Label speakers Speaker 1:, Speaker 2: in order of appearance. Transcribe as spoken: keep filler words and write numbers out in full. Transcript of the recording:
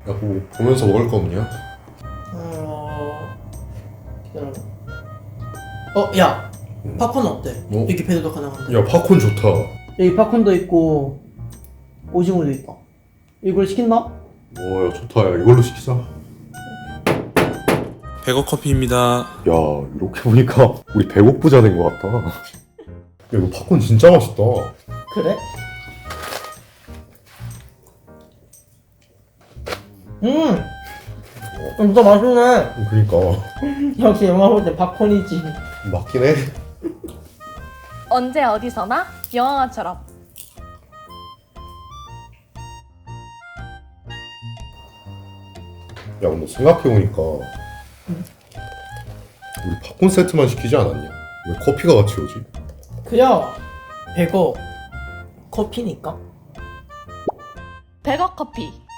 Speaker 1: 야, 뭐 보면서 먹을 거 없냐?
Speaker 2: 어... 기다려봐. 어, 야!
Speaker 1: 응.
Speaker 2: 팝콘 어때?
Speaker 1: 어?
Speaker 2: 이렇게 배달도 가능한데.
Speaker 1: 야, 팝콘 좋다.
Speaker 2: 여기 팝콘도 있고 오징어도 있다. 이걸 시킨다?
Speaker 1: 오, 야, 좋다. 야, 이걸로 시키자.
Speaker 3: 백억 커피입니다.
Speaker 1: 야, 이렇게 보니까 우리 배고프자 된 거 같다. 야, 이거 팝콘 진짜 맛있다.
Speaker 2: 그래? 음! 진짜 맛있네.
Speaker 1: 그니까
Speaker 2: 역시 영화 볼 때 팝콘이지.
Speaker 1: 맞긴 해.
Speaker 4: 언제 어디서나 영화처럼.
Speaker 1: 야, 근데 생각해보니까 우리 팝콘 세트만 시키지 않았냐? 왜 커피가 같이 오지?
Speaker 2: 그냥 백억 커피니까.
Speaker 4: 백억 커피.